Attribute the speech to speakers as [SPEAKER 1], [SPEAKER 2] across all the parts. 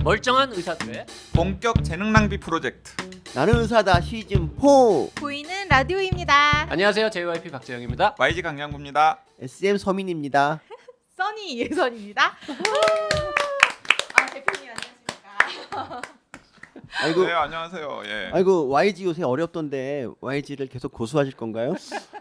[SPEAKER 1] 멀쩡한 의사들의
[SPEAKER 2] 본격 재능 낭비 프로젝트.
[SPEAKER 3] 나는 의사다 시즌 4
[SPEAKER 4] 보이는 라디오입니다.
[SPEAKER 1] 안녕하세요. JYP 박재영입니다.
[SPEAKER 2] YG 강량구입니다.
[SPEAKER 3] SM 서민입니다.
[SPEAKER 4] 써니 예선입니다. 아 대표님 안녕하십니까?
[SPEAKER 3] 아이고,
[SPEAKER 2] 네, 안녕하세요. 예.
[SPEAKER 3] 아이고 YG 요새 어렵던데 YG를 계속 고수하실 건가요?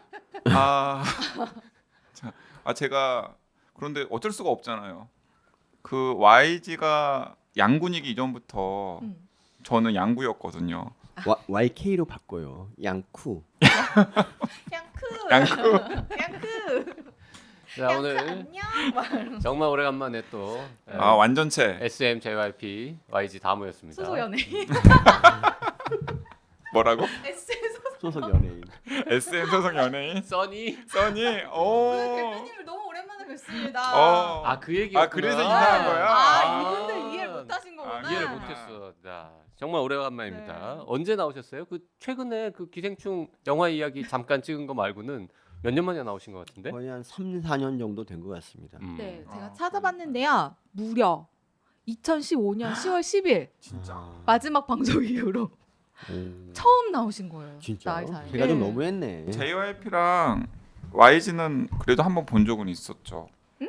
[SPEAKER 2] 제가 그런데 어쩔 수가 없잖아요. 그 YG가 양군이기 이전부터 저는 양구였거든요.
[SPEAKER 3] YK로 바꿔요. 양쿠.
[SPEAKER 4] 양크.
[SPEAKER 1] 자, 오늘
[SPEAKER 4] 안녕.
[SPEAKER 1] 정말 오래간만에 또
[SPEAKER 2] 완전체.
[SPEAKER 1] SM, JYP, YG 다 모였습니다.
[SPEAKER 4] 소속 연예인.
[SPEAKER 2] 뭐라고?
[SPEAKER 3] 소속 연예인.
[SPEAKER 2] SM 소속 연예인.
[SPEAKER 1] 써니.
[SPEAKER 2] 써니.
[SPEAKER 4] 대표님을 너무 오랜만에 뵙습니다.
[SPEAKER 1] 아, 그 얘기였구나.
[SPEAKER 2] 그래서 이상한 거야.
[SPEAKER 4] 이분들 이해를 못하신 거구나.
[SPEAKER 1] 이해를 못했어. 자, 정말 오래간만입니다.
[SPEAKER 4] 네.
[SPEAKER 1] 언제 나오셨어요? 그 최근에 그 기생충 영화 이야기 잠깐 찍은 거 말고는 몇 년 만에 나오신 것 같은데?
[SPEAKER 3] 거의 한 3, 4년 정도 된 것 같습니다.
[SPEAKER 4] 네, 제가 찾아봤는데요. 무려 2015년 10월 10일
[SPEAKER 2] 진짜.
[SPEAKER 4] 마지막 방송 이후로 처음 나오신 거예요.
[SPEAKER 3] 진짜?
[SPEAKER 4] 나이 사이에.
[SPEAKER 3] 제가 좀
[SPEAKER 4] 네.
[SPEAKER 3] 너무했네.
[SPEAKER 2] JYP랑 YG는 그래도 한번 본 적은 있었죠.
[SPEAKER 4] 응?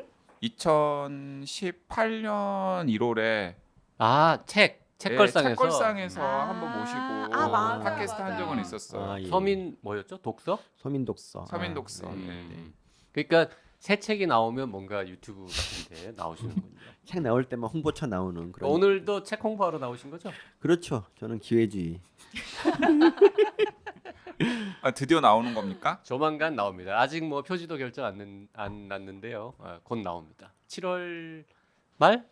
[SPEAKER 2] 2018년 1월에
[SPEAKER 1] 아, 책걸상에서
[SPEAKER 2] 책걸상에서
[SPEAKER 4] 아.
[SPEAKER 2] 한번 모시고
[SPEAKER 4] 맞아요,
[SPEAKER 2] 팟캐스트 한
[SPEAKER 4] 맞아요.
[SPEAKER 2] 적은 있었어요.
[SPEAKER 3] 예.
[SPEAKER 1] 서민 뭐였죠? 독서?
[SPEAKER 3] 서민독서.
[SPEAKER 2] 서민독서.
[SPEAKER 3] 아,
[SPEAKER 2] 네.
[SPEAKER 1] 그러니까 새 책이 나오면 뭔가 유튜브 같은데 나오시는군요.
[SPEAKER 3] 책 나올 때만 홍보차 나오는 그런.
[SPEAKER 1] 오늘도 책 홍보하러 나오신 거죠?
[SPEAKER 3] 그렇죠. 저는 기회주의.
[SPEAKER 2] 드디어 나오는 겁니까?
[SPEAKER 1] 조만간 나옵니다. 아직 뭐 표지도 결정 안 났는데요. 곧 나옵니다. 7월 말?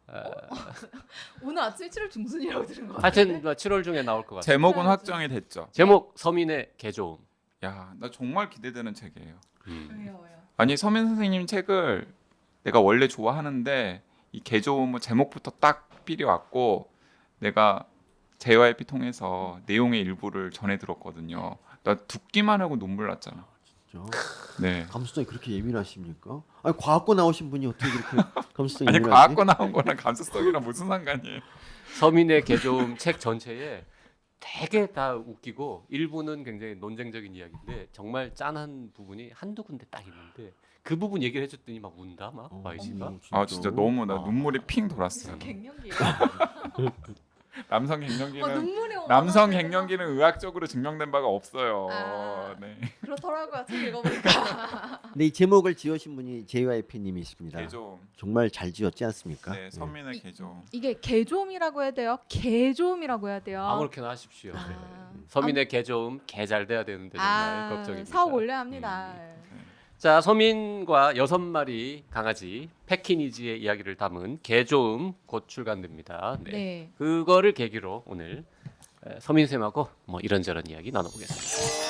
[SPEAKER 4] 오늘 아침에 7월 중순이라고 들은 거 같아요.
[SPEAKER 1] 하여튼 7월 중에 나올 것 같아요.
[SPEAKER 2] 제목은 확정이 됐죠.
[SPEAKER 1] 제목 서민의 개조음.
[SPEAKER 2] 야, 나 정말 기대되는 책이에요.
[SPEAKER 4] 왜요?
[SPEAKER 2] 아니 서민 선생님 책을 내가 원래 좋아하는데 이 개조음 제목부터 딱 삘이 왔고 내가 JYP 통해서 내용의 일부를 전해 들었거든요. 나 듣기만 하고 눈물 났잖아.
[SPEAKER 3] 진짜?
[SPEAKER 2] 네.
[SPEAKER 3] 감수성이 그렇게 예민하십니까? 아니 과학고 나오신 분이 어떻게 그렇게 감수성이
[SPEAKER 2] 아니
[SPEAKER 3] 예민하지?
[SPEAKER 2] 과학고 나온 거랑 감수성이랑 무슨 상관이에요?
[SPEAKER 1] 서민의 개조음 책 전체에 되게 다 웃기고 일부는 굉장히 논쟁적인 이야기인데 정말 짠한 부분이 한두 군데 딱 있는데 그 부분 얘기를 해줬더니 막 운다 막 YG가.
[SPEAKER 2] 진짜 너무 나 눈물이 핑 돌았어요.
[SPEAKER 4] 갱년기예요.
[SPEAKER 2] 남성 갱년기는
[SPEAKER 4] 눈물이
[SPEAKER 2] 남성
[SPEAKER 4] 어머나.
[SPEAKER 2] 갱년기는 의학적으로 증명된 바가 없어요.
[SPEAKER 4] 아.
[SPEAKER 2] 네.
[SPEAKER 4] 그렇더라고요. 책 읽어보니까.
[SPEAKER 3] 근데 이 제목을 지으신 분이 JYP님이십니다.
[SPEAKER 2] 개조음.
[SPEAKER 3] 정말 잘 지었지 않습니까?
[SPEAKER 2] 네, 서민의 개조음.
[SPEAKER 4] 이게 개조음이라고 해야 돼요? 개조음이라고 해야 돼요?
[SPEAKER 1] 아무렇게나 하십시오.
[SPEAKER 4] 아.
[SPEAKER 1] 네. 서민의 개조음 개 잘 돼야 되는데 정말 걱정입니다.
[SPEAKER 4] 사업 올려야 합니다.
[SPEAKER 1] 자, 서민과 6마리 강아지 패키니지의 이야기를 담은 개조음 곧 출간됩니다. 네.
[SPEAKER 4] 네.
[SPEAKER 1] 그거를 계기로 오늘 서민쌤하고 뭐 이런저런 이야기 나눠보겠습니다.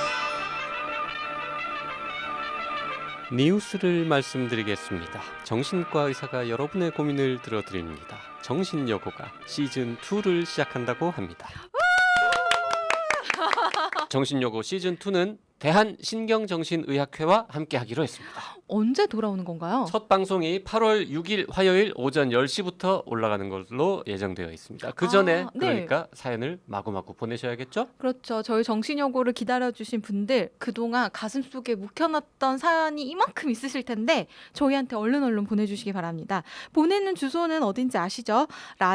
[SPEAKER 1] 뉴스를 말씀드리겠습니다. 정신과 의사가 여러분의 고민을 들어드립니다. 정신여고가 시즌 2를 시작한다고 합니다. 정신여고 시즌 2는 대한신경정신의학회와 함께하기로 했습니다.
[SPEAKER 4] 언제 돌아오는 건가요?
[SPEAKER 1] 첫 방송이 8월 6일 화요일 오전 10시부터 올라가는 걸로 예정되어 있습니다. 그 전에
[SPEAKER 4] 아, 네.
[SPEAKER 1] 그러니까 사연을 마구마구 보내셔야겠죠?
[SPEAKER 4] 그렇죠. 저희 정신여고를 기다려주신 분들 그동안 가슴속에 묵혀놨던 사연이 이만큼 있으실 텐데 저희한테 얼른 보내주시기 바랍니다. 보내는 주소는 어딘지 아시죠?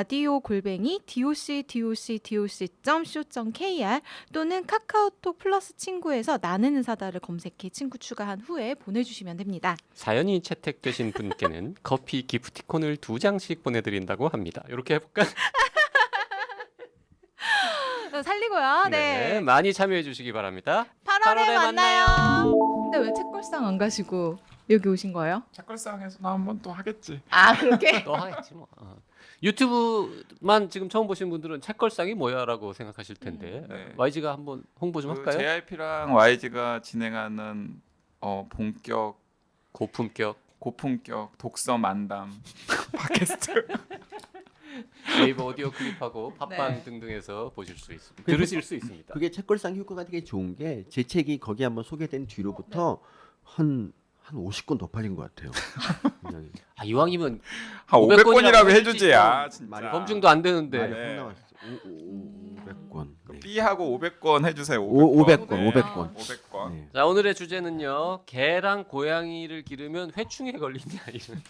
[SPEAKER 4] radio@doc.co.kr 또는 카카오톡 플러스 친구에서 나는 의사다를 검색해 친구 추가한 후에 보내주시면 됩니다.
[SPEAKER 1] 사연이 채택되신 분께는 커피 기프티콘을 2장씩 보내드린다고 합니다. 이렇게 해볼까?
[SPEAKER 4] 살리고요. 네.
[SPEAKER 1] 많이 참여해 주시기 바랍니다.
[SPEAKER 4] 8월에 만나요. 근데 왜 책걸상 안 가시고 여기 오신 거예요?
[SPEAKER 2] 책걸상에서 나 한번 또 하겠지.
[SPEAKER 4] 아 그렇게?
[SPEAKER 1] 또 하겠지 뭐. 유튜브만 지금 처음 보신 분들은 책걸상이 뭐야라고 생각하실 텐데
[SPEAKER 2] 네.
[SPEAKER 1] YG가 한번 홍보 좀 할까요?
[SPEAKER 2] JYP랑 YG가 진행하는 본격 고품격 독서 만담 팟캐스트.
[SPEAKER 1] 네이버 오디오 클립하고 팟빵
[SPEAKER 4] 네.
[SPEAKER 1] 등등에서 보실 수 있습니다. 들으실 수 있습니다.
[SPEAKER 3] 그게 책걸상 효과가 되게 좋은 게 제 책이 거기 한번 소개된 뒤로부터 한 한 50건 더 팔린 것 같아요. 굉장히.
[SPEAKER 1] 아, 이왕이면
[SPEAKER 2] 한
[SPEAKER 1] 500
[SPEAKER 2] 500건이라고
[SPEAKER 1] 해주지.
[SPEAKER 2] 해주지. 아 진짜.
[SPEAKER 1] 말이 검증도 안 되는데.
[SPEAKER 3] 말이
[SPEAKER 2] 네.
[SPEAKER 3] 확 나왔어. 500건. 네.
[SPEAKER 2] B하고 500건 해주세요.
[SPEAKER 3] 500건,
[SPEAKER 2] 네.
[SPEAKER 3] 500건.
[SPEAKER 2] 500건.
[SPEAKER 3] 네.
[SPEAKER 1] 자, 오늘의 주제는요. 개랑 고양이를 기르면 회충에 걸리냐 이런.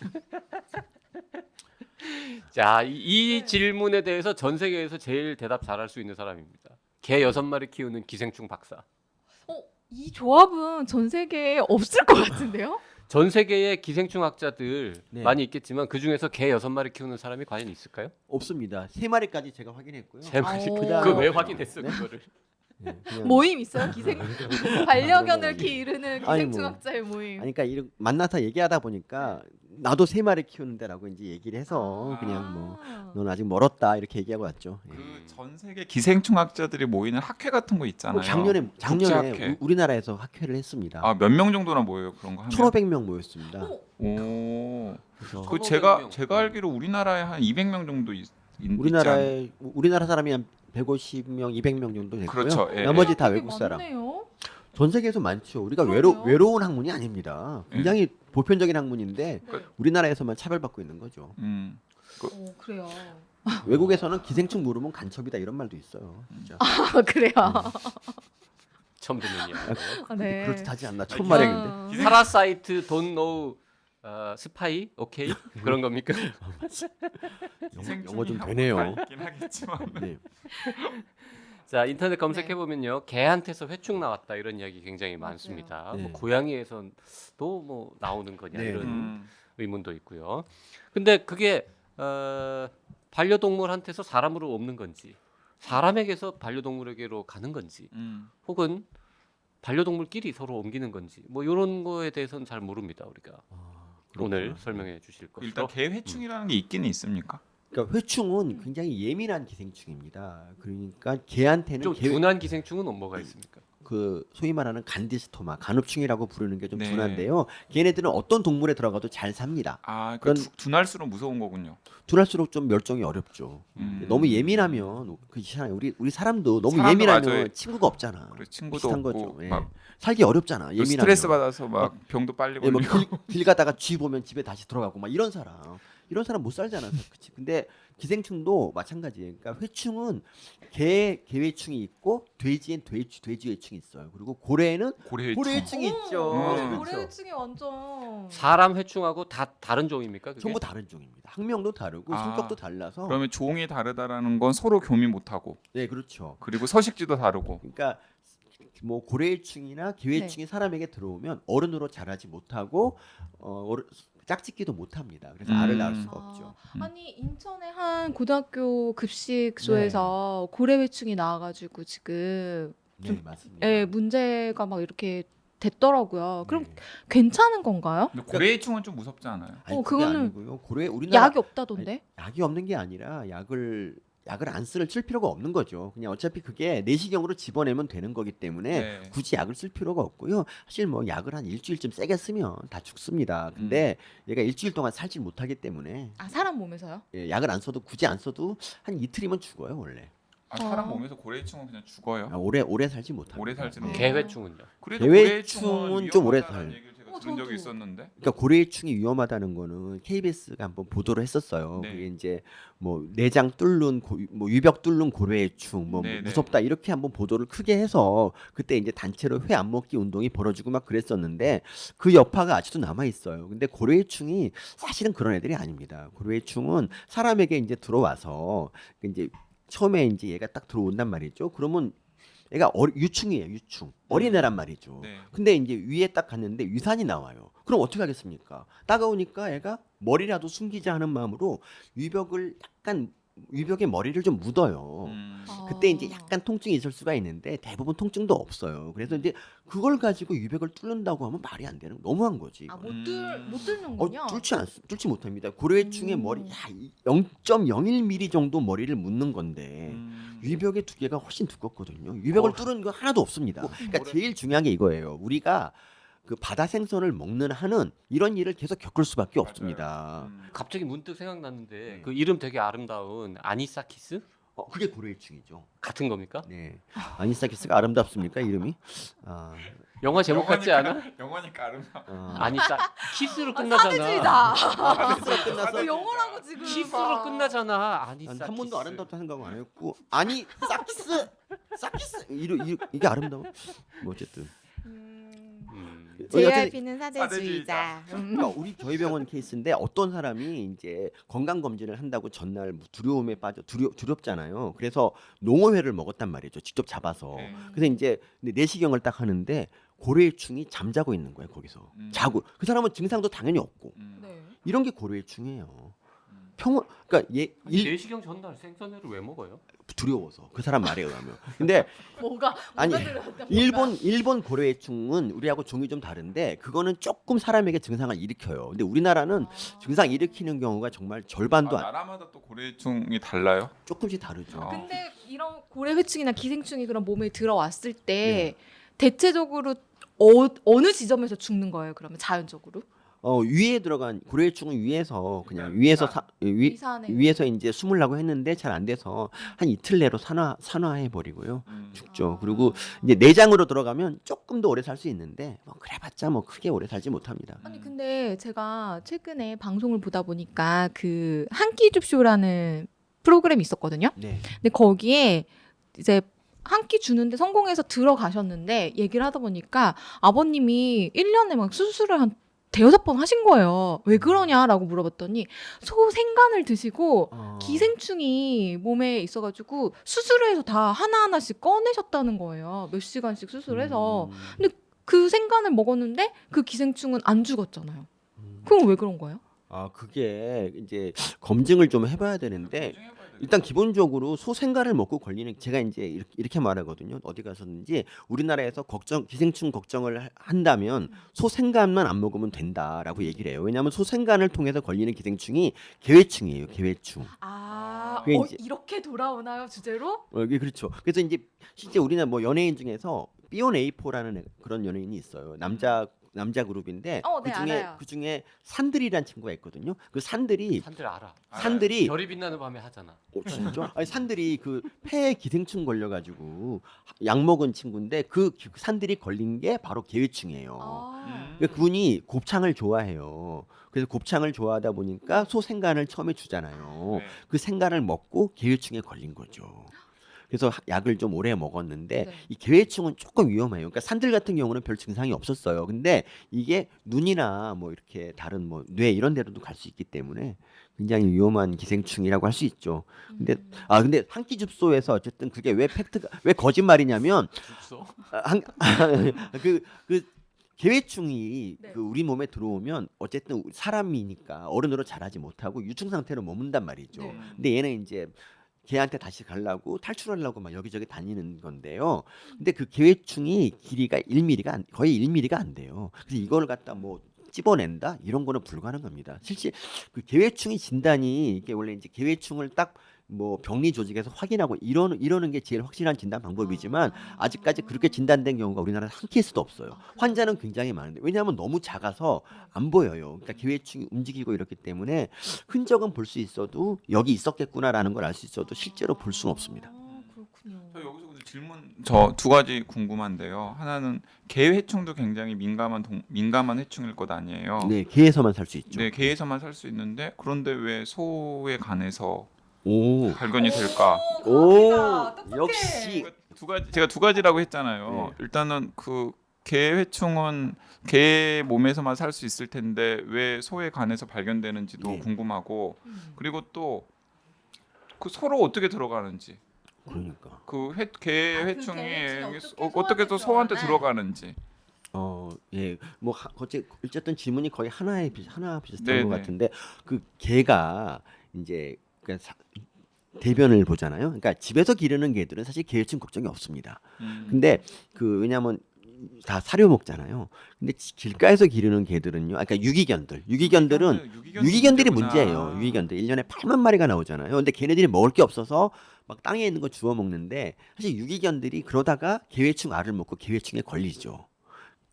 [SPEAKER 1] 자, 이 질문에 대해서 전 세계에서 제일 대답 잘할 수 있는 사람입니다. 개 6마리 키우는 기생충 박사.
[SPEAKER 4] 이 조합은 전 세계에 없을 것 같은데요?
[SPEAKER 1] 전 세계의 기생충 학자들
[SPEAKER 3] 네.
[SPEAKER 1] 많이 있겠지만 그 중에서 개 6마리 키우는 사람이 과연 있을까요?
[SPEAKER 3] 없습니다. 3마리까지 제가 확인했고요.
[SPEAKER 1] 3마리.
[SPEAKER 4] 오.
[SPEAKER 1] 그거 왜 확인했어
[SPEAKER 3] 네?
[SPEAKER 1] 그거를?
[SPEAKER 3] 네, 그냥-
[SPEAKER 4] 모임 있어요? 반려견을
[SPEAKER 3] 그런 거
[SPEAKER 4] 기르는
[SPEAKER 3] 아니, 뭐.
[SPEAKER 4] 기생충학자의 모임.
[SPEAKER 3] 아니, 그러니까 만나서 얘기하다 보니까 나도 3마리 키우는데라고 이제 얘기를 해서
[SPEAKER 4] 아.
[SPEAKER 3] 그냥 뭐 넌 아직 멀었다 이렇게 얘기하고 왔죠. 예.
[SPEAKER 2] 그 전 세계 기생충학자들이 모이는 학회 같은 거 있잖아요.
[SPEAKER 3] 작년에
[SPEAKER 2] 국제학회.
[SPEAKER 3] 우리나라에서 학회를 했습니다.
[SPEAKER 2] 아, 몇 명 정도나 모여요 그런 거 하면?
[SPEAKER 3] 1,500명 모였습니다.
[SPEAKER 2] 오.
[SPEAKER 3] 그래서
[SPEAKER 2] 그
[SPEAKER 1] 1,500
[SPEAKER 2] 제가 알기로 우리나라에 한 200명 정도 있지 않-
[SPEAKER 3] 우리나라 사람이 한 150명, 200명 정도 됐고요.
[SPEAKER 2] 그렇죠. 예,
[SPEAKER 3] 나머지 다
[SPEAKER 4] 되게
[SPEAKER 3] 외국 사람.
[SPEAKER 4] 많네요.
[SPEAKER 3] 전 세계에서 많죠. 우리가
[SPEAKER 4] 그러게요.
[SPEAKER 3] 외로운 학문이 아닙니다. 굉장히 보편적인 학문인데
[SPEAKER 4] 네.
[SPEAKER 3] 우리나라에서만 차별받고 있는 거죠.
[SPEAKER 4] 그래요.
[SPEAKER 3] 외국에서는 기생충 물으면 간첩이다 이런 말도 있어요. 진짜.
[SPEAKER 4] 아, 그래요.
[SPEAKER 1] 처음 듣는 이야기예요.
[SPEAKER 4] 아, 네.
[SPEAKER 3] 그렇듯하지 않나?
[SPEAKER 2] 아,
[SPEAKER 3] 천마랭인데.
[SPEAKER 1] 파라사이트 돈 노우 스파이 오케이 그런 겁니까?
[SPEAKER 3] 영어 좀 되네요.
[SPEAKER 2] 있긴 하겠지만.
[SPEAKER 3] 네.
[SPEAKER 1] 자, 인터넷 검색해 보면요 개한테서 회충 나왔다 이런 이야기 굉장히 많습니다.
[SPEAKER 3] 네.
[SPEAKER 1] 뭐 고양이에서도 뭐 나오는 거냐
[SPEAKER 3] 네.
[SPEAKER 1] 이런 의문도 있고요. 근데 그게 반려동물한테서 사람으로 옮는 건지 사람에게서 반려동물에게로 가는 건지 혹은 반려동물끼리 서로 옮기는 건지 뭐 이런 거에 대해서는 잘 모릅니다 우리가. 오늘 설명해 주실 것으로.
[SPEAKER 2] 일단 개회충이라는 게 있기는 있습니까?
[SPEAKER 3] 그러니까 회충은 굉장히 예민한 기생충입니다. 그러니까 개한테는
[SPEAKER 1] 좀 둔한 기생충은 뭐가 있습니까?
[SPEAKER 3] 그 소위 말하는 간디스토마, 간흡충이라고 부르는 게 좀
[SPEAKER 2] 네.
[SPEAKER 3] 둔한데요. 걔네들은 어떤 동물에 들어가도 잘 삽니다.
[SPEAKER 2] 아,
[SPEAKER 3] 그런-
[SPEAKER 2] 둔할수록 무서운 거군요.
[SPEAKER 3] 둔할수록 좀 멸종이 어렵죠. 너무 예민하면 그렇잖아요. 우리 사람도 너무
[SPEAKER 2] 사람도
[SPEAKER 3] 예민하면
[SPEAKER 2] 맞아요.
[SPEAKER 3] 친구가 없잖아.
[SPEAKER 2] 그래, 친구도
[SPEAKER 3] 비슷한
[SPEAKER 2] 없고
[SPEAKER 3] 거죠. 예.
[SPEAKER 2] 막
[SPEAKER 3] 살기 어렵잖아. 예민하면.
[SPEAKER 2] 스트레스 받아서 막 병도 빨리
[SPEAKER 3] 예, 뭐
[SPEAKER 2] 걸리고.
[SPEAKER 3] 길 가다가 쥐 보면 집에 다시 들어가고 막 이런 사람 못 살잖아. 그치? 근데 기생충도 마찬가지예요. 그러니까 회충은 개회충이 있고 돼지엔 돼지회충이 있어요. 그리고 고래에는
[SPEAKER 2] 고래회충.
[SPEAKER 3] 고래회충이 있죠. 그렇죠.
[SPEAKER 4] 고래층이 완전.
[SPEAKER 1] 사람 회충하고 다 다른 종입니까? 그게?
[SPEAKER 3] 전부 다른 종입니다. 학명도 다르고
[SPEAKER 2] 아,
[SPEAKER 3] 성격도 달라서.
[SPEAKER 2] 그러면 종이 다르다라는 건 서로 교미 못 하고
[SPEAKER 3] 네, 그렇죠.
[SPEAKER 2] 그리고 서식지도 다르고.
[SPEAKER 3] 그러니까 뭐 고래회충이나 개회충이 사람에게 들어오면 어른으로 자라지 못하고 짝짓기도 못합니다. 그래서 알을 낳을 수가 없죠.
[SPEAKER 4] 아니 인천의 한 고등학교 급식소에서 고래회충이 나와가지고 지금
[SPEAKER 3] 네, 맞습니다.
[SPEAKER 4] 예, 문제가 막 이렇게 됐더라고요. 그럼
[SPEAKER 3] 네.
[SPEAKER 4] 괜찮은 건가요?
[SPEAKER 2] 근데 고래회충은 좀 무섭지 않아요?
[SPEAKER 3] 아니, 그게
[SPEAKER 4] 그거는
[SPEAKER 3] 아니고요. 우리나라
[SPEAKER 4] 약이 없다던데?
[SPEAKER 3] 약이 없는 게 아니라 약을 안 쓸 필요가 없는 거죠. 그냥 어차피 그게 내시경으로 집어내면 되는 거기 때문에
[SPEAKER 2] 네.
[SPEAKER 3] 굳이 약을 쓸 필요가 없고요. 사실 뭐 약을 한 일주일쯤 세게 쓰면 다 죽습니다. 근데 얘가 일주일 동안 살질 못하기 때문에
[SPEAKER 4] 아 사람 몸에서요?
[SPEAKER 3] 예, 약을 안 써도 굳이 안 써도 한 이틀이면 죽어요 원래.
[SPEAKER 2] 아, 사람 몸에서 고래회충은 그냥 죽어요.
[SPEAKER 3] 아, 오래 살지 못합니다.
[SPEAKER 2] 오래 살지는
[SPEAKER 3] 네.
[SPEAKER 2] 못해요.
[SPEAKER 1] 개회충은요?
[SPEAKER 2] 그래도
[SPEAKER 3] 개회충은
[SPEAKER 2] 고래회충은
[SPEAKER 3] 좀 오래
[SPEAKER 2] 위험하다는
[SPEAKER 3] 살.
[SPEAKER 2] 얘기를 제가 들은 적이
[SPEAKER 4] 저도.
[SPEAKER 2] 있었는데.
[SPEAKER 3] 그러니까 고래회충이 위험하다는 거는 KBS가 한번 보도를 했었어요.
[SPEAKER 2] 네.
[SPEAKER 3] 그게 이제 뭐 내장 뚫는 뭐 유벽 뚫는 고래회충 뭐
[SPEAKER 2] 네, 네.
[SPEAKER 3] 무섭다 이렇게 한번 보도를 크게 해서 그때 이제 단체로 회 안 먹기 운동이 벌어지고 막 그랬었는데 그 여파가 아직도 남아 있어요. 근데 고래회충이 사실은 그런 애들이 아닙니다. 고래회충은 사람에게 이제 들어와서 이제 처음에 이제 얘가 딱 들어온단 말이죠. 그러면 얘가 유충이에요, 유충. 어린애란 말이죠.
[SPEAKER 2] 네.
[SPEAKER 3] 근데 이제 위에 딱 갔는데 위산이 나와요. 그럼 어떻게 하겠습니까? 따가우니까 애가 머리라도 숨기자 하는 마음으로 유벽에 머리를 좀 묻어요. 그때 이제 약간 통증이 있을 수가 있는데 대부분 통증도 없어요. 그래서 이제 그걸 가지고 유벽을 뚫는다고 하면 말이 안 되는 너무한 거지.
[SPEAKER 4] 아못 뚫는군요.
[SPEAKER 3] 뚫지 못합니다. 고래충의 머리 0.01mm 정도 머리를 묻는 건데 유벽의 두께가 훨씬 두껍거든요. 유벽을 뚫은 거 하나도 없습니다. 그러니까 제일 중요한 게 이거예요. 우리가 그 바다 생선을 먹는 한은 이런 일을 계속 겪을 수밖에 없습니다.
[SPEAKER 1] 갑자기 문득 생각났는데
[SPEAKER 3] 네.
[SPEAKER 1] 그 이름 되게 아름다운 아니사키스?
[SPEAKER 3] 그게 고래일충이죠.
[SPEAKER 1] 같은 겁니까?
[SPEAKER 3] 네. 아니사키스가 아름답습니까 이름이? 아,
[SPEAKER 1] 영화 제목 같지 않아?
[SPEAKER 2] 영화니까 아름다워.
[SPEAKER 1] 키스로 끝나잖아.
[SPEAKER 4] 사대주의다.
[SPEAKER 3] 키스로 끝나서
[SPEAKER 4] 영어라고 지금.
[SPEAKER 1] 키스로 끝나잖아.
[SPEAKER 3] 난 한 번도 아름답다 생각 안 했고 아니 사키스 이게 아름다워? 뭐 어쨌든
[SPEAKER 4] JYP는 사대주의자.
[SPEAKER 3] 그러니까 우리 저희 병원 케이스인데 어떤 사람이 이제 건강 검진을 한다고 전날 두려움에 빠져 두렵잖아요. 그래서 농어회를 먹었단 말이죠. 직접 잡아서.
[SPEAKER 2] 네.
[SPEAKER 3] 그래서 이제 내시경을 딱 하는데 고래일충이 잠자고 있는 거예요. 거기서 자고 그 사람은 증상도 당연히 없고
[SPEAKER 4] 네.
[SPEAKER 3] 이런 게 고래일충이에요. 평온 그러니까
[SPEAKER 1] 내시경 전날 생선회를 왜 먹어요?
[SPEAKER 3] 두려워서 그 사람 말에 의하면. 근데
[SPEAKER 4] 뭐가
[SPEAKER 3] 아니,
[SPEAKER 4] 들어갔다,
[SPEAKER 3] 일본 고래일충은 우리하고 종이 좀 다른데 그거는 조금 사람에게 증상을 일으켜요. 근데 우리나라는 증상 일으키는 경우가 정말 절반도
[SPEAKER 2] 나라마다 또 고래충이 달라요?
[SPEAKER 3] 조금씩 다르죠.
[SPEAKER 4] 근데 이런 고래회충이나 기생충이 그런 몸에 들어왔을 때 대체적으로 어느 지점에서 죽는 거예요? 그러면 자연적으로?
[SPEAKER 3] 위에 들어간 고래일충은 위에서 그냥 위에서
[SPEAKER 4] 위산에.
[SPEAKER 3] 위에서 이제 숨으려고 했는데 잘 안 돼서 한 이틀 내로 산화해 버리고요. 죽죠. 그리고 이제 내장으로 들어가면 조금 더 오래 살 수 있는데 뭐 그래봤자 뭐 크게 오래 살지 못합니다.
[SPEAKER 4] 아니 근데 제가 최근에 방송을 보다 보니까 그 한 끼 줍쇼라는 프로그램이 있었거든요.
[SPEAKER 3] 네.
[SPEAKER 4] 근데 거기에 이제 한 끼 주는데 성공해서 들어가셨는데 얘기를 하다 보니까 아버님이 1년에 막 수술을 한 대여섯 번 하신 거예요. 왜 그러냐라고 물어봤더니 소 생간을 드시고 기생충이 몸에 있어가지고 수술을 해서 다 하나하나씩 꺼내셨다는 거예요. 몇 시간씩 수술해서. 근데 그 생간을 먹었는데 그 기생충은 안 죽었잖아요. 그럼 왜 그런 거예요?
[SPEAKER 3] 그게 이제 검증을 좀 해봐야 되는데 일단 기본적으로 소생간을 먹고 걸리는 제가 이제 이렇게 말하거든요. 어디 가서든지 우리나라에서 기생충 걱정을 한다면 소생간만 안 먹으면 된다라고 얘기를 해요. 왜냐하면 소생간을 통해서 걸리는 기생충이 개회충이에요. 개회충. 그게 이제-
[SPEAKER 4] 이렇게 돌아오나요 주제로?
[SPEAKER 3] 이게 그렇죠. 그래서 이제 실제 우리나라 뭐 연예인 중에서 B1A4라는 그런 연예인이 있어요. 남자 그룹인데
[SPEAKER 4] 네, 알아요.
[SPEAKER 3] 그중에 산들이란 친구가 있거든요. 그 산들이
[SPEAKER 1] 산들 알아.
[SPEAKER 3] 산들이
[SPEAKER 1] 별이 빛나는 밤에 하잖아.
[SPEAKER 3] 진짜? 아니 산들이 그 폐에 기생충 걸려가지고 약 먹은 친구인데 그 산들이 걸린 게 바로 개회충이에요. 그러니까 그분이 곱창을 좋아해요. 그래서 곱창을 좋아하다 보니까 소 생간을 처음에 주잖아요. 그 생간을 먹고 개회충에 걸린 거죠. 그래서 약을 좀 오래 먹었는데
[SPEAKER 4] 네.
[SPEAKER 3] 이 개회충은 조금 위험해요. 그러니까 산들 같은 경우는 별 증상이 없었어요. 근데 이게 눈이나 뭐 이렇게 다른 뭐 뇌 이런 데로도 갈 수 있기 때문에 굉장히 위험한 기생충이라고 할 수 있죠. 근데 근데 한 끼 줍소에서 어쨌든 그게 왜 거짓말이냐면
[SPEAKER 1] 죽소?
[SPEAKER 3] 그 개회충이
[SPEAKER 4] 네.
[SPEAKER 3] 그 우리 몸에 들어오면 어쨌든 사람이니까 어른으로 자라지 못하고 유충 상태로 머문단 말이죠.
[SPEAKER 4] 네.
[SPEAKER 3] 근데 얘는 이제 걔한테 다시 가려고 탈출하려고 막 여기저기 다니는 건데요. 근데 그 개회충이 길이가 1mm가 거의 1mm가 안 돼요. 그래서 이걸 갖다 뭐 찝어낸다 이런 거는 불가능합니다. 실제 그 개회충이 진단이 이게 원래 이제 개회충을 딱 뭐 병리 조직에서 확인하고 이러는 게 제일 확실한 진단 방법이지만 아직까지 그렇게 진단된 경우가 우리나라에 한 케이스도 없어요. 환자는 굉장히 많은데 왜냐하면 너무 작아서 안 보여요. 그러니까 개회충이 움직이고 이렇기 때문에 흔적은 볼 수 있어도 여기 있었겠구나라는 걸 알 수 있어도 실제로 볼 수는 없습니다.
[SPEAKER 4] 그렇군요.
[SPEAKER 2] 저 여기서 근데 질문 저 두 가지 궁금한데요. 하나는 개회충도 굉장히 민감한 해충일 것 아니에요.
[SPEAKER 3] 네, 개에서만 살 수 있죠.
[SPEAKER 2] 네, 개에서만 살 수 있는데 그런데 왜 소의 간에서
[SPEAKER 3] 오,
[SPEAKER 2] 발견이 될까?
[SPEAKER 3] 오,
[SPEAKER 4] 똑똑해.
[SPEAKER 3] 역시
[SPEAKER 2] 제가 두 가지라고 했잖아요.
[SPEAKER 3] 네.
[SPEAKER 2] 일단은 그 개회충은 개 몸에서만 살 수 있을 텐데 왜 소의 간에서 발견되는지도
[SPEAKER 3] 네.
[SPEAKER 2] 궁금하고 그리고 또 그 소로 어떻게 들어가는지
[SPEAKER 3] 그러니까.
[SPEAKER 2] 개회충이
[SPEAKER 4] 개회충이
[SPEAKER 2] 어떻게 또 소한테
[SPEAKER 4] 소한테
[SPEAKER 2] 들어가는지.
[SPEAKER 3] 예, 뭐 어쨌든 질문이 거의 하나 비슷한
[SPEAKER 2] 네네.
[SPEAKER 3] 것 같은데 그 개가 이제 대변을 보잖아요. 그러니까 집에서 기르는 개들은 사실 개회충 걱정이 없습니다. 근데 그 왜냐하면 다 사료 먹잖아요. 근데 길가에서 기르는 개들은요. 그러니까 유기견들은 유기견들이 문제예요. 유기견들 1년에 8만 마리가 나오잖아요. 근데 걔네들이 먹을 게 없어서 막 땅에 있는 거 주워 먹는데 사실 유기견들이 그러다가 개회충 알을 먹고 개회충에 걸리죠.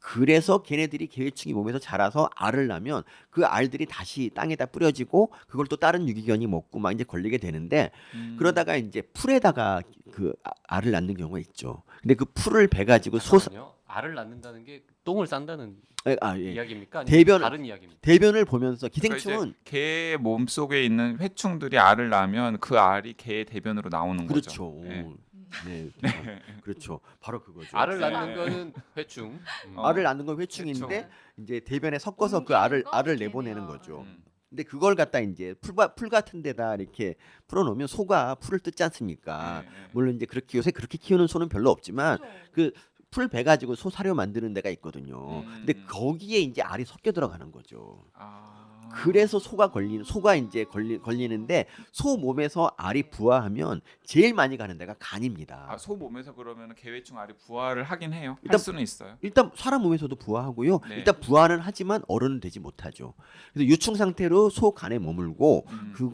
[SPEAKER 3] 그래서 걔네들이 개회충이 몸에서 자라서 알을 낳으면 그 알들이 다시 땅에다 뿌려지고 그걸 또 다른 유기견이 먹고 막 이제 걸리게 되는데 그러다가 이제 풀에다가 그 알을 낳는 경우가 있죠. 근데 그 풀을 배 가지고
[SPEAKER 1] 잠깐만요. 알을 낳는다는 게 똥을 싼다는
[SPEAKER 3] 예.
[SPEAKER 1] 이야기입니까? 아니면
[SPEAKER 3] 대변-
[SPEAKER 1] 다른 이야기입니까?
[SPEAKER 3] 대변을 보면서
[SPEAKER 2] 그러니까
[SPEAKER 3] 기생충은
[SPEAKER 2] 이제 개 몸속에 있는 회충들이 알을 낳으면 그 알이 개의 대변으로 나오는
[SPEAKER 3] 그렇죠.
[SPEAKER 2] 거죠. 네.
[SPEAKER 3] 네. 그렇죠. 바로 그거죠.
[SPEAKER 1] 알을
[SPEAKER 2] 네.
[SPEAKER 1] 낳는 거는 회충.
[SPEAKER 3] 알을 낳는 건 회충인데
[SPEAKER 2] 회충.
[SPEAKER 3] 이제 대변에 섞어서 그
[SPEAKER 4] 옮기는 거?
[SPEAKER 3] 알을
[SPEAKER 4] 걔네요.
[SPEAKER 3] 내보내는 거죠.
[SPEAKER 2] 음.
[SPEAKER 3] 근데 그걸 갖다 이제 풀 같은 데다 이렇게 풀어놓으면 소가 풀을 뜯지 않습니까?
[SPEAKER 2] 네, 네.
[SPEAKER 3] 물론 이제 그렇게 요새 그렇게 키우는 소는 별로 없지만 그 풀 배 가지고 소 사료 만드는 데가 있거든요. 근데 거기에 이제 알이 섞여 들어가는 거죠.
[SPEAKER 2] 아.
[SPEAKER 3] 그래서 소가 이제 걸리는데 소 몸에서 알이 부화하면 제일 많이 가는 데가 간입니다.
[SPEAKER 2] 아, 소 몸에서 그러면 개회충 알이 부화를 하긴 해요.
[SPEAKER 3] 일단-
[SPEAKER 2] 할 수는 있어요.
[SPEAKER 3] 일단 사람 몸에서도 부화하고요.
[SPEAKER 2] 네.
[SPEAKER 3] 일단 부화는 하지만 어른은 되지 못하죠. 그래서 유충 상태로 소 간에 머물고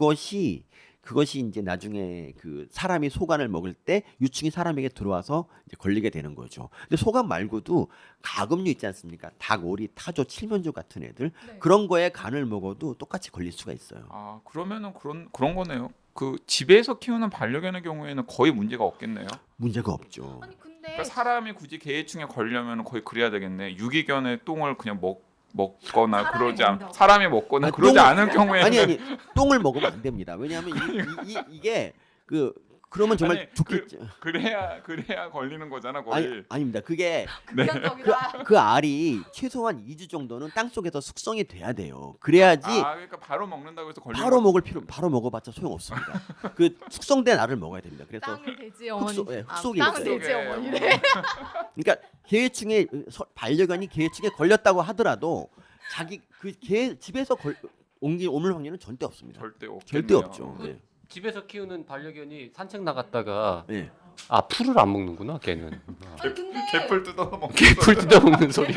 [SPEAKER 3] 그것이 이제 나중에 그 사람이 소간을 먹을 때 유충이 사람에게 들어와서 이제 걸리게 되는 거죠. 근데 소간 말고도 가금류 있지 않습니까? 닭, 오리, 타조, 칠면조 같은 애들
[SPEAKER 4] 네.
[SPEAKER 3] 그런 거에 간을 먹어도 똑같이 걸릴 수가 있어요.
[SPEAKER 2] 아, 그러면은 그런 거네요. 그 집에서 키우는 반려견의 경우에는 거의 문제가 없겠네요.
[SPEAKER 3] 문제가 없죠.
[SPEAKER 4] 아니 근데
[SPEAKER 2] 그러니까 사람이 굳이 개회충에 걸려면 거의 그래야 되겠네. 유기견의 똥을 그냥 먹거나
[SPEAKER 4] 사람이
[SPEAKER 2] 그러지 않
[SPEAKER 4] 먹는다고.
[SPEAKER 2] 사람이 먹거나
[SPEAKER 3] 아니,
[SPEAKER 2] 그러지
[SPEAKER 3] 똥을-
[SPEAKER 2] 않은 경우에는
[SPEAKER 3] 아니 똥을 먹으면 안 됩니다. 왜냐하면 이게 그러면 정말
[SPEAKER 2] 아니,
[SPEAKER 3] 좋겠죠.
[SPEAKER 2] 그래야 걸리는 거잖아 거의.
[SPEAKER 3] 아닙니다. 그게
[SPEAKER 4] 극단적이다.
[SPEAKER 3] 그 알이 최소한 2주 정도는 땅 속에서 숙성이 돼야 돼요. 그래야지
[SPEAKER 2] 아, 그러니까 바로 먹는다고 해서 걸리는
[SPEAKER 3] 바로 먹어봤자 소용없습니다. 그 숙성된 알을 먹어야 됩니다. 그래서
[SPEAKER 4] 땅은 돼지 어머니.
[SPEAKER 3] 흑속이
[SPEAKER 4] 땅은
[SPEAKER 3] 있어요.
[SPEAKER 4] 돼지 어머니래.
[SPEAKER 3] 그러니까 개회충에 반려견이 개회충에 걸렸다고 하더라도 자기 그 개 집에서 옮을 확률은 절대 없습니다.
[SPEAKER 2] 절대 없겠네요.
[SPEAKER 3] 절대 없죠. 네.
[SPEAKER 1] 집에서 키우는 반려견이 산책 나갔다가
[SPEAKER 3] 네.
[SPEAKER 1] 아 풀을 안 먹는구나 걔는.
[SPEAKER 4] 아니 근데
[SPEAKER 2] 개풀 뜯어서 먹는
[SPEAKER 1] 풀 뜯어 먹는 소리.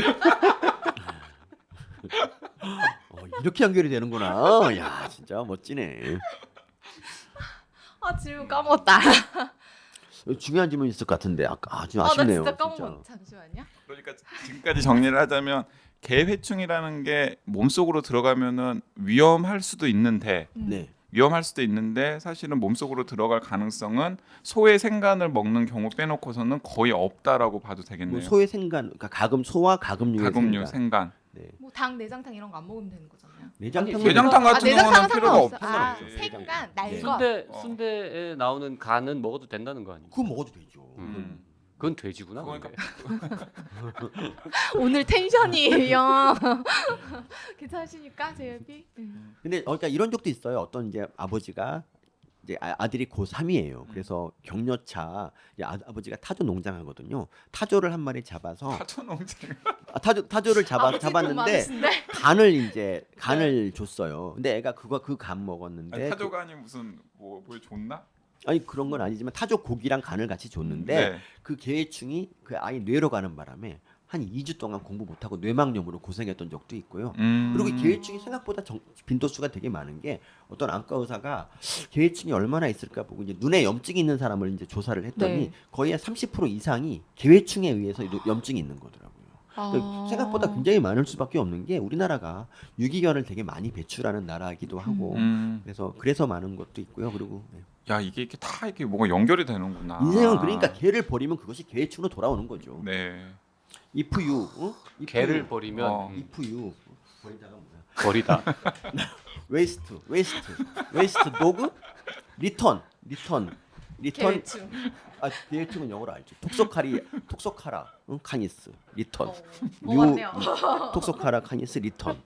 [SPEAKER 3] 이렇게 연결이 되는구나. 야 진짜 멋지네.
[SPEAKER 4] 질문 까먹었다.
[SPEAKER 3] 중요한 질문 있을 것 같은데 아까 좀
[SPEAKER 4] 나
[SPEAKER 3] 아쉽네요.
[SPEAKER 4] 진짜 까먹었. 잠시만요.
[SPEAKER 2] 그러니까 지금까지 정리를 하자면 개회충이라는 게 몸속으로 들어가면은 위험할 수도 있는데
[SPEAKER 3] 네.
[SPEAKER 2] 사실은 몸속으로 들어갈 가능성은 소의 생간을 먹는 경우 빼놓고서는 거의 없다라고 봐도
[SPEAKER 3] 뭐
[SPEAKER 2] 되겠네요.
[SPEAKER 3] 소의 생간, 그러니까 소와 가금류의
[SPEAKER 2] 가금류
[SPEAKER 3] 생간.
[SPEAKER 2] 생간.
[SPEAKER 3] 네.
[SPEAKER 4] 뭐 당 내장탕 이런 거 안 먹으면 되는 거잖아요.
[SPEAKER 3] 내장탕
[SPEAKER 2] 내장탕 같은
[SPEAKER 4] 내장탕은
[SPEAKER 2] 경우는 필요가
[SPEAKER 4] 상관없어.
[SPEAKER 2] 없죠.
[SPEAKER 4] 아,
[SPEAKER 2] 네.
[SPEAKER 4] 생간,
[SPEAKER 3] 네.
[SPEAKER 4] 날것.
[SPEAKER 1] 순대에 나오는 간은 먹어도 된다는 거 아니에요?
[SPEAKER 3] 그거 먹어도 되죠.
[SPEAKER 1] 그건 돼지구나.
[SPEAKER 2] 그러니까
[SPEAKER 1] 근데.
[SPEAKER 4] 오늘 텐션이 영. 괜찮으십니까, 제이비?
[SPEAKER 3] 근데 그러니까 이런 적도 있어요. 어떤 이제 아버지가 이제 아들이 고3이에요. 그래서 격려차 이제 아버지가 타조 농장하거든요. 타조를 한 마리 잡아서
[SPEAKER 2] 타조농장.
[SPEAKER 3] 타조를 잡았는데
[SPEAKER 4] 네.
[SPEAKER 3] 간을 줬어요. 근데 애가 그 간 먹었는데
[SPEAKER 2] 타조간이 무슨 뭐 줬나?
[SPEAKER 3] 아니 그런 건 아니지만 타조 고기랑 간을 같이 줬는데
[SPEAKER 2] 네.
[SPEAKER 3] 그 개회충이 그 아이 뇌로 가는 바람에 한 2주 동안 공부 못하고 뇌망염으로 고생했던 적도 있고요. 그리고 이 개회충이 생각보다 빈도수가 되게 많은 게 어떤 안과 의사가 개회충이 얼마나 있을까 보고 이제 눈에 염증이 있는 사람을 이제 조사를 했더니
[SPEAKER 4] 네.
[SPEAKER 3] 거의 한 30% 이상이 개회충에 의해서 염증이 있는 거더라고요. 그러니까 생각보다 굉장히 많을 수밖에 없는 게 우리나라가 유기견을 되게 많이 배출하는 나라이기도 하고 그래서 많은 것도 있고요. 그리고
[SPEAKER 2] 야 이게 이렇게 다 이렇게 뭐가 연결이 되는구나.
[SPEAKER 3] 인생은 그러니까 개를 버리면 그것이 개회충으로 돌아오는 거죠.
[SPEAKER 2] 네.
[SPEAKER 3] If you
[SPEAKER 1] 개를 버리면
[SPEAKER 3] if you 버린다가 뭐야?
[SPEAKER 1] 버리다.
[SPEAKER 3] waste dog return
[SPEAKER 4] 개회충.
[SPEAKER 3] 개회충은 영어로 알죠. 톡소카라 카니스 리턴
[SPEAKER 4] 맞네요.
[SPEAKER 3] 톡소카라 카니스 리턴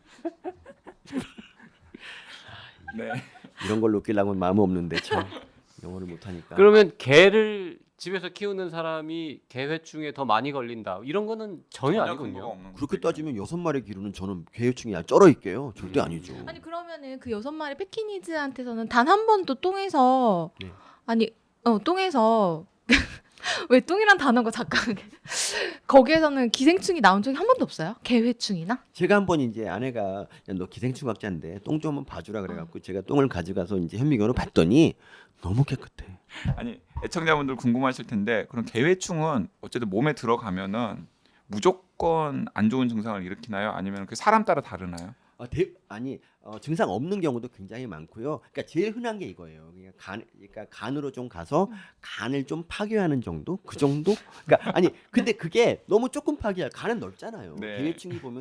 [SPEAKER 2] 네.
[SPEAKER 3] 이런 걸로 웃기려고 마음 없는데 참 영어를 못하니까.
[SPEAKER 1] 그러면 개를 집에서 키우는 사람이 개회충에 더 많이 걸린다. 이런 거는 전혀
[SPEAKER 2] 근거가
[SPEAKER 1] 아니군요.
[SPEAKER 2] 없는
[SPEAKER 3] 그렇게
[SPEAKER 2] 거죠.
[SPEAKER 3] 따지면 6마리 기르는 저는 개회충이 쩔어 있게요. 절대 아니죠.
[SPEAKER 4] 아니 그러면은 그 6마리 패키니즈한테서는 단 한 번도 똥에서
[SPEAKER 3] 네.
[SPEAKER 4] 똥에서 왜 똥이란 단어가 잠깐 거기에서는 기생충이 나온 적이 한 번도 없어요? 개회충이나?
[SPEAKER 3] 제가 한번 이제 아내가 야, 너 기생충학자인데 똥 좀 한번 봐주라 그래갖고 제가 똥을 가져가서 이제 현미경으로 봤더니 너무 깨끗해.
[SPEAKER 2] 아니 애청자분들 궁금하실 텐데 그럼 개회충은 어쨌든 몸에 들어가면은 무조건 안 좋은 증상을 일으키나요? 아니면 그 사람 따라 다르나요?
[SPEAKER 3] 증상 없는 경우도 굉장히 많고요. 그러니까 제일 흔한 게 이거예요. 그러니까 간으로 좀 가서 간을 좀 파괴하는 정도, 그 정도. 그러니까 근데 그게 너무 조금 파괴야. 간은 넓잖아요.
[SPEAKER 2] 네.
[SPEAKER 3] 계획충이 보면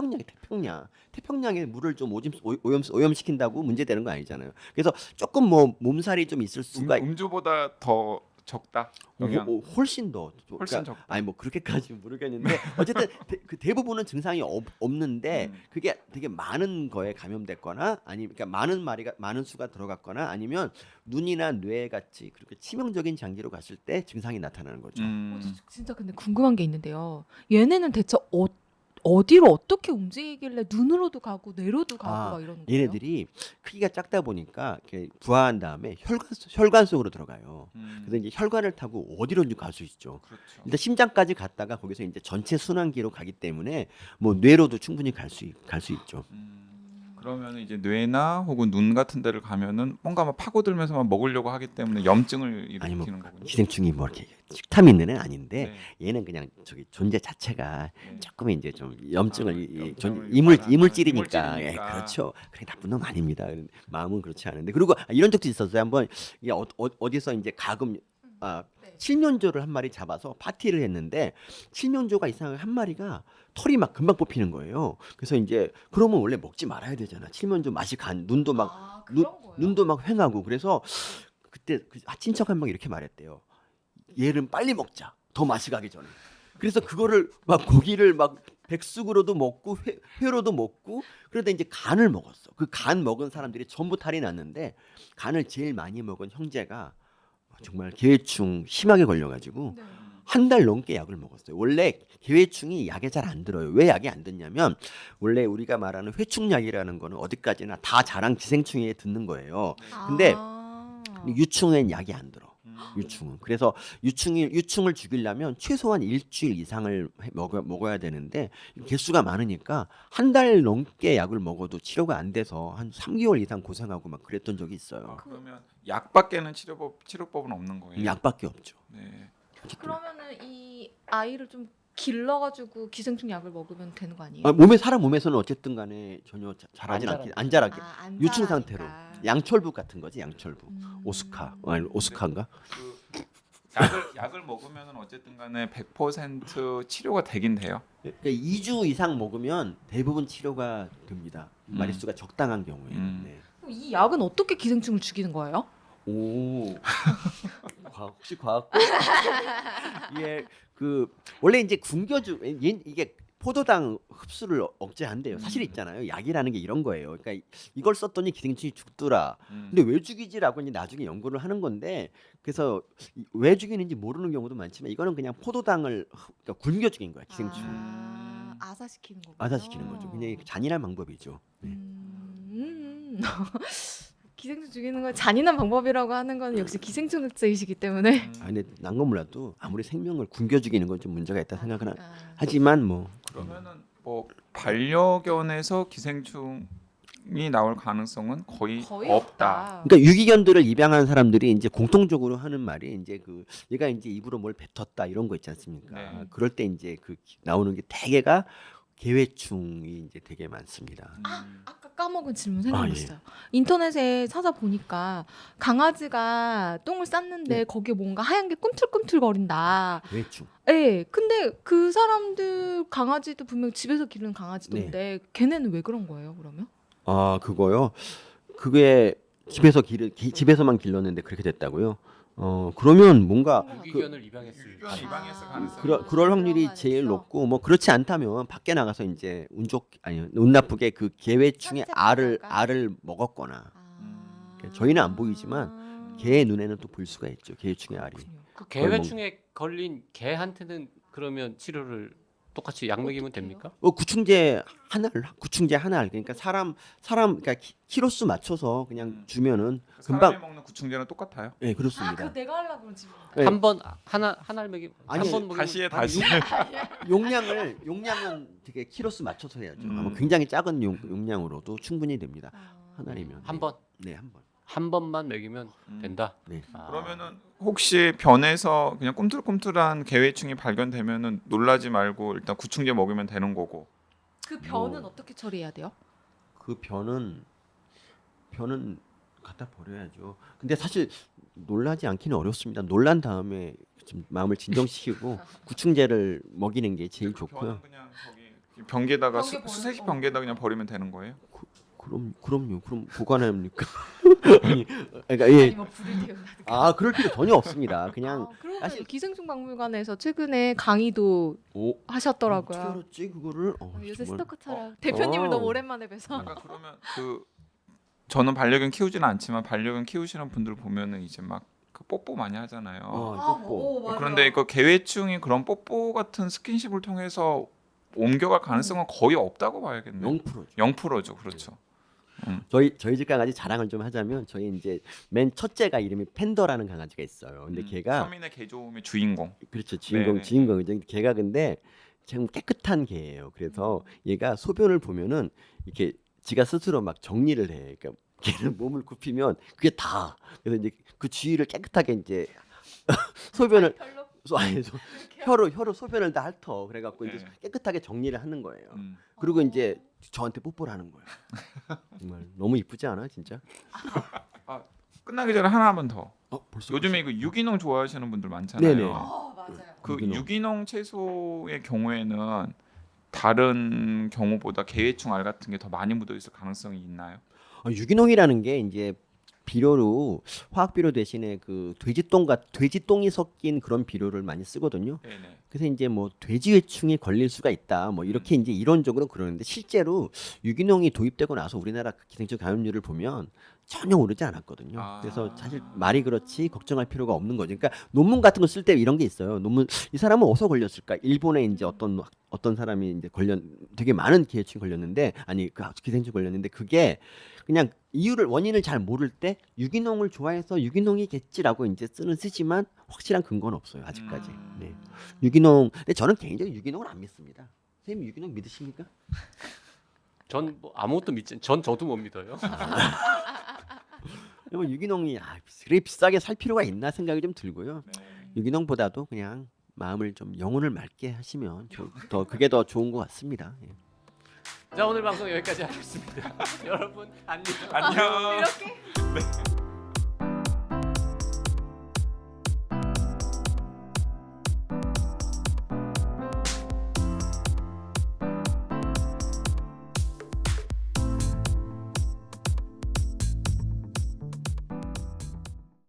[SPEAKER 3] 태평양에 물을 좀 오염시킨다고 문제되는 거 아니잖아요. 그래서 조금 뭐 몸살이 좀 있을 수가
[SPEAKER 2] 음주보다 더 적다. 영향.
[SPEAKER 3] 훨씬 더
[SPEAKER 2] 훨씬 적다.
[SPEAKER 3] 아니 뭐 그렇게까지 모르겠는데 어쨌든 그 대부분은 증상이 없는데 그게 되게 많은 거에 감염됐거나 아니면 그러니까 많은 수가 들어갔거나 아니면 눈이나 뇌 같이 그렇게 치명적인 장기로 갔을 때 증상이 나타나는 거죠.
[SPEAKER 4] 진짜 근데 궁금한 게 있는데요. 얘네는 대체 어디로 어떻게 움직이길래 눈으로도 가고 뇌로도 가고 막 이러는 거예요?
[SPEAKER 3] 얘네들이 크기가 작다 보니까 이렇게 부화한 다음에 혈관 속으로 들어가요. 그래서 이제 혈관을 타고 어디로든지 갈 수 있죠.
[SPEAKER 2] 그렇죠.
[SPEAKER 3] 일단 심장까지 갔다가 거기서 이제 전체 순환기로 가기 때문에 뭐 뇌로도 충분히 갈 수 있죠.
[SPEAKER 2] 그러면 이제 뇌나 혹은 눈 같은 데를 가면은 뭔가 막 파고들면서 막 먹으려고 하기 때문에 염증을
[SPEAKER 3] 아니 뭐
[SPEAKER 2] 일으키는 거군요.
[SPEAKER 3] 기생충이 뭐 이렇게 식탐 있는 애는 아닌데
[SPEAKER 2] 네.
[SPEAKER 3] 얘는 그냥 저기 존재 자체가
[SPEAKER 2] 네.
[SPEAKER 3] 조금 이제 좀 염증을
[SPEAKER 2] 염증을
[SPEAKER 3] 이물질이니까 예,
[SPEAKER 2] 이물질이니까.
[SPEAKER 3] 그렇죠. 그래 나쁜 놈 아닙니다. 마음은 그렇지 않은데 그리고 이런 적도 있었어요. 한번 이게 어디서 이제 가금
[SPEAKER 4] 네.
[SPEAKER 3] 칠면조를 한 마리 잡아서 파티를 했는데 칠면조가 이상하게 한 마리가 털이 막 금방 뽑히는 거예요. 그래서 이제 그러면 원래 먹지 말아야 되잖아. 칠면조 맛이 눈도 막
[SPEAKER 4] 그런 거예요?
[SPEAKER 3] 눈도 막 휑하고 그래서 그때 친척 한 명 이렇게 말했대요. 얘는 빨리 먹자. 더 맛이 가기 전에. 그래서 그거를 막 고기를 막 백숙으로도 먹고 회로도 먹고 그러다 이제 간을 먹었어. 그 간 먹은 사람들이 전부 탈이 났는데 간을 제일 많이 먹은 형제가 정말 계회충 심하게 걸려가지고
[SPEAKER 4] 네.
[SPEAKER 3] 한 달 넘게 약을 먹었어요. 원래 계회충이 약에 잘 안 들어요. 왜 약이 안 듣냐면 원래 우리가 말하는 회충약이라는 거는 어디까지나 다 자랑 기생충에 듣는 거예요. 근데 유충엔 약이 안 들어. 유충은 그래서 유충을 죽이려면 최소한 일주일 이상을 먹어야 되는데 개수가 많으니까 한 달 넘게 약을 먹어도 치료가 안 돼서 한 3개월 이상 고생하고 막 그랬던 적이 있어요.
[SPEAKER 2] 그러면 약밖에는 치료법은 없는 거예요.
[SPEAKER 3] 약밖에 없죠.
[SPEAKER 2] 네.
[SPEAKER 4] 그러면은 이 아이를 좀 길러가지고 기생충 약을 먹으면 되는 거 아니에요?
[SPEAKER 3] 사람 몸에서는 어쨌든 간에 전혀 자라진 않게 안 자라게
[SPEAKER 4] 안
[SPEAKER 3] 유충
[SPEAKER 4] 자라니까.
[SPEAKER 3] 상태로 양철부 같은 거지 양철부 오스카 아니 오스카인가?
[SPEAKER 2] 그 약을 먹으면은 어쨌든 간에 100% 치료가 되긴 돼요.
[SPEAKER 3] 그러니까 2주 이상 먹으면 대부분 치료가 됩니다. 마리수가 적당한 경우에. 네.
[SPEAKER 4] 그럼 이 약은 어떻게 기생충을 죽이는 거예요?
[SPEAKER 3] 오 혹시 과학? 예, 그 원래 이제 이게 포도당 흡수를 억제한대요. 사실 있잖아요. 약이라는 게 이런 거예요. 그러니까 이걸 썼더니 기생충이 죽더라. 근데 왜 죽이지라고 이제 나중에 연구를 하는 건데 그래서 왜 죽이는지 모르는 경우도 많지만 이거는 그냥 포도당을 그러니까 굶겨 죽인 거야 기생충.
[SPEAKER 4] 아사시키는 거군요.
[SPEAKER 3] 아사시키는 거죠. 그냥 잔인한 방법이죠. 네.
[SPEAKER 4] 기생충 죽이는 건 잔인한 방법이라고 하는 건 역시 기생충학자이시기 때문에.
[SPEAKER 3] 근데 난 건 몰라도 아무리 생명을 굶겨 죽이는 건 좀 문제가 있다 생각은 하지만 뭐
[SPEAKER 2] 그러면은 뭐 반려견에서 기생충이 나올 가능성은 거의 없다.
[SPEAKER 3] 그러니까 유기견들을 입양한 사람들이 이제 공통적으로 하는 말이 이제 얘가 이제 입으로 뭘 뱉었다 이런 거 있지 않습니까?
[SPEAKER 2] 네.
[SPEAKER 3] 그럴 때 이제 나오는 게 대개가 계회충이 이제 되게 많습니다.
[SPEAKER 4] 아까 까먹은 질문 생각났어요. 인터넷에 찾아보니까 강아지가 똥을 쌌는데 거기에 뭔가 하얀 게 꿈틀꿈틀거린다.
[SPEAKER 3] 계회충.
[SPEAKER 4] 네, 근데 그 사람들 강아지도 분명 집에서 기르는 강아지던데 걔네는 왜 그런 거예요? 그러면?
[SPEAKER 3] 그거요. 그게 집에서만 길렀는데 그렇게 됐다고요? 그러면 뭔가
[SPEAKER 1] 유기견을 입양했을
[SPEAKER 2] 유기견 입양했을 가능성이
[SPEAKER 3] 그럴 확률이
[SPEAKER 4] 그런
[SPEAKER 3] 제일
[SPEAKER 4] 안에서?
[SPEAKER 3] 높고 뭐 그렇지 않다면 밖에 나가서 이제 운 나쁘게 그 계회충의
[SPEAKER 4] 산책하다가?
[SPEAKER 3] 알을 먹었거나 저희는 안 보이지만 개의 눈에는 또 볼 수가 있죠. 계회충의 알이.
[SPEAKER 1] 그 개회충에 걸린 개한테는 그러면 치료를 똑같이 약 먹이면 됩니까?
[SPEAKER 3] 구충제 한 알 그러니까 사람 그러니까 키로수 맞춰서 그냥 주면은 금방
[SPEAKER 2] 사람이 먹는 구충제는 똑같아요.
[SPEAKER 3] 네 그렇습니다.
[SPEAKER 4] 그거 내가 하려고 그런 질문.
[SPEAKER 3] 네.
[SPEAKER 1] 한 번 하나 먹이
[SPEAKER 3] 아니,
[SPEAKER 1] 한번 먹이면
[SPEAKER 2] 다시
[SPEAKER 3] 용량은 되게 키로수 맞춰서 해야죠. 아마 굉장히 작은 용량으로도 충분히 됩니다. 한 알이면
[SPEAKER 1] 한 번.
[SPEAKER 3] 네, 한 번.
[SPEAKER 1] 한 번만 먹이면 된다.
[SPEAKER 3] 네.
[SPEAKER 1] 아,
[SPEAKER 2] 그러면은 혹시 변에서 그냥 꿈틀꿈틀한 개회충이 발견되면은 놀라지 말고 일단 구충제 먹이면 되는 거고.
[SPEAKER 4] 그 변은
[SPEAKER 3] 뭐.
[SPEAKER 4] 어떻게 처리해야 돼요?
[SPEAKER 3] 그 변은 갖다 버려야죠. 근데 사실 놀라지 않기는 어렵습니다. 놀란 다음에 좀 마음을 진정시키고 구충제를 먹이는 게 제일 좋고요.
[SPEAKER 2] 변은 그냥 저기 변기에다가
[SPEAKER 4] 변기에 버려-
[SPEAKER 2] 수세식 변기에다 그냥 버리면 되는 거예요?
[SPEAKER 3] 그럼요. 그럼 보관합니까? 아니, 그러니까 예.
[SPEAKER 4] 아니면 불을 태운다든가.
[SPEAKER 3] 아 그럴 필요 전혀 없습니다. 그냥
[SPEAKER 4] 그러면
[SPEAKER 3] 사실-
[SPEAKER 4] 기생충 박물관에서 최근에 강의도
[SPEAKER 3] 오
[SPEAKER 4] 하셨더라고요.
[SPEAKER 3] 어떻게 알았지 그거를?
[SPEAKER 4] 요새
[SPEAKER 3] 정말.
[SPEAKER 4] 스토커처럼 대표님을
[SPEAKER 3] 어.
[SPEAKER 4] 너무 오랜만에 뵈서
[SPEAKER 2] 약간 그러면 그 저는 반려견 키우지는 않지만 반려견 키우시는 분들 보면은 이제 막 그 뽀뽀 많이 하잖아요.
[SPEAKER 3] 뽀뽀.
[SPEAKER 2] 그런데 이거 개회충이 그런 뽀뽀 같은 스킨십을 통해서 옮겨갈 가능성은 거의 없다고 봐야겠네요.
[SPEAKER 3] 0%죠.
[SPEAKER 2] 0%죠, 그렇죠.
[SPEAKER 3] 저희 집 강아지 자랑을 좀 하자면 저희 이제 맨 첫째가 이름이 팬더라는 강아지가 있어요. 근데 걔가
[SPEAKER 2] 서민의 개조음의 주인공.
[SPEAKER 3] 그렇죠
[SPEAKER 2] 네네.
[SPEAKER 3] 주인공이죠. 걔가 근데 참 깨끗한 개예요. 그래서 얘가 소변을 보면은 이렇게 지가 스스로 막 정리를 해. 그러니까 걔는 몸을 굽히면 그게 다. 그래서 이제 그 주위를 깨끗하게 이제 소변을 아니, 혀로 소변을 다 핥어. 그래갖고 이제
[SPEAKER 2] 네.
[SPEAKER 3] 깨끗하게 정리를 하는 거예요.
[SPEAKER 2] 음.
[SPEAKER 3] 그리고 이제 저한테 뽀뽀를 하는 거예요. 정말 너무 이쁘지 않아, 진짜?
[SPEAKER 2] 끝나기 전에 하나만 더.
[SPEAKER 3] 벌써
[SPEAKER 2] 요즘에 이거 유기농 좋아하시는 분들 많잖아요.
[SPEAKER 3] 네네.
[SPEAKER 4] 맞아요.
[SPEAKER 2] 그
[SPEAKER 3] 유기농.
[SPEAKER 2] 유기농 채소의 경우에는 다른 경우보다 개회충 알 같은 게 더 많이 묻어 있을 가능성이 있나요?
[SPEAKER 3] 유기농이라는 게 이제 비료로 화학 비료 대신에 그 돼지똥이 섞인 그런 비료를 많이 쓰거든요.
[SPEAKER 2] 네네.
[SPEAKER 3] 그래서 이제 뭐 돼지회충이 걸릴 수가 있다. 뭐 이렇게 이제 이론적으로 그러는데 실제로 유기농이 도입되고 나서 우리나라 기생충 감염률을 보면 전혀 오르지 않았거든요.
[SPEAKER 2] 아.
[SPEAKER 3] 그래서 사실 말이 그렇지 걱정할 필요가 없는 거죠. 그러니까 논문 같은 거 쓸 때 이런 게 있어요. 논문 이 사람은 어디서 걸렸을까? 일본에 이제 어떤 사람이 이제 되게 많은 기생충 걸렸는데 아니 그 기생충 걸렸는데 그게 그냥 원인을 잘 모를 때 유기농을 좋아해서 유기농이겠지라고 이제 쓰지만 확실한 근거는 없어요 아직까지. 네. 유기농. 근데 저는 개인적으로 유기농을 안 믿습니다. 선생님 유기농 믿으십니까?
[SPEAKER 1] 전 뭐 아무것도 믿지. 전 저도 못 믿어요.
[SPEAKER 3] 뭐 유기농이 그래 비싸게 살 필요가 있나 생각이 좀 들고요.
[SPEAKER 2] 네.
[SPEAKER 3] 유기농보다도 그냥 마음을 좀 영혼을 맑게 하시면 그게 더 좋은 것 같습니다. 예.
[SPEAKER 1] 자 오늘 방송 여기까지 하겠습니다. 여러분 안녕.
[SPEAKER 2] 안녕.
[SPEAKER 4] 이렇게